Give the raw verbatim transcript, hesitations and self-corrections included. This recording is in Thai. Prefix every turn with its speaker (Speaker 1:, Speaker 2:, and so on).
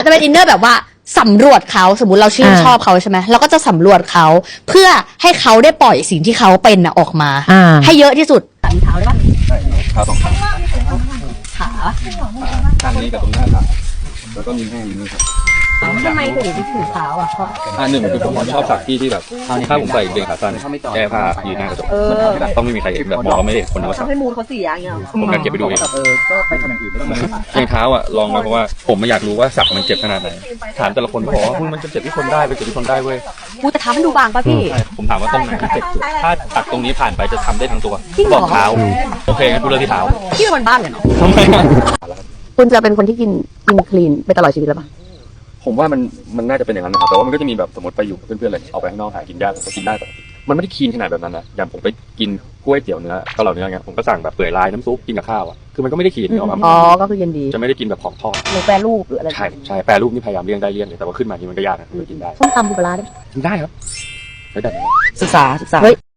Speaker 1: จะเป็นอินเนอร์แบบว่าสำรวจเขาสมมุติเราชื่นชอบเขาใช่ไหมเราก็จะสำรวจเขาเพื่อให้เขาได้ปล่อยสิ่งที่เขาเป็นน่ะออกมาให้เยอะที่สุดมีเท้าได้ปะ
Speaker 2: ใช่เท้าสองข้าง
Speaker 1: ขา
Speaker 2: ข้างนี้กับตรงหน้าขาแล้วก็มีแห้งอยู่นี่ครับ
Speaker 1: ทำไมถึงถือเท้าอ่ะเพราะ
Speaker 2: อ่าหนึ่งคือผมชอบสักที่ที่แบบถ้าผมใส่เกงขาสั้นแก้ผ้ายืนหน้ากระจกต้องไม่มีใครเห็นแบบบอกว่าไม่เห็นคนว่าสัก
Speaker 1: ให้มูลเขาเสียอย่างเงี้ย
Speaker 2: ผมอยากเก็บไปดูเองเออก็ไปทำอย่างอื่นไม่ต้องมารองเท้าอ่ะลองมาเพราะว่าผมไม่อยากรู้ว่าสักมันเจ็บขนาดไหนถามแต่ละคนบอกว่ามันจะเจ็บที่คนได้ไปเจ็บที่คนได้เว้ย
Speaker 1: กูจะทำให้ดูบางป่ะพี่
Speaker 2: ผมถามว่าตรงไหนที่เจ็บสุดถ้าตัดตรงนี้ผ่านไปจะทำได้ทั้งตัวบอกเท้าโอเคงั้นกูเลือกที่เท้า
Speaker 1: พี่เป็นคนบ้านเลยเนาะคุณจะเป็นคนที่กินกินคลีนไปตลอดชีวิตแล้วปะ
Speaker 2: ผมว่ามันมันน่าจะเป็นอย่างนั้นนะครับแต่ว่ามันก็จะมีแบบสมมติไปอยู่เพื่อนๆเลยเอาไปข้างนอกหากินยากผมก็กินได้ปกติมันไม่ได้คลีนขนาดแบบนั้นนะอย่างผมไปกินกล้วยเตี๋ยวเนื้อเกาเหลาเนื้อเงี้ยผมก็สั่งแบบเปื่อยลายน้ำซุปกินกับข้าวอ่ะคือมันก็ไม่ได้คลีนออกมา
Speaker 1: อ๋อก็คือเย็นดี
Speaker 2: จะไม่ได้กินแบบของทอด
Speaker 1: หรือแปรรูปหรืออะไร
Speaker 2: ใช่ใช่แปรรูปนี่พยายามเลี่ยงได้เลี่ยงเลยแต่ว่าขึ้นมานี่มันก็ยากนะคือกินได้
Speaker 1: ส้มตำปูปลาร้าได้
Speaker 2: กินได้ครับได้
Speaker 1: ศึกษาศึกษา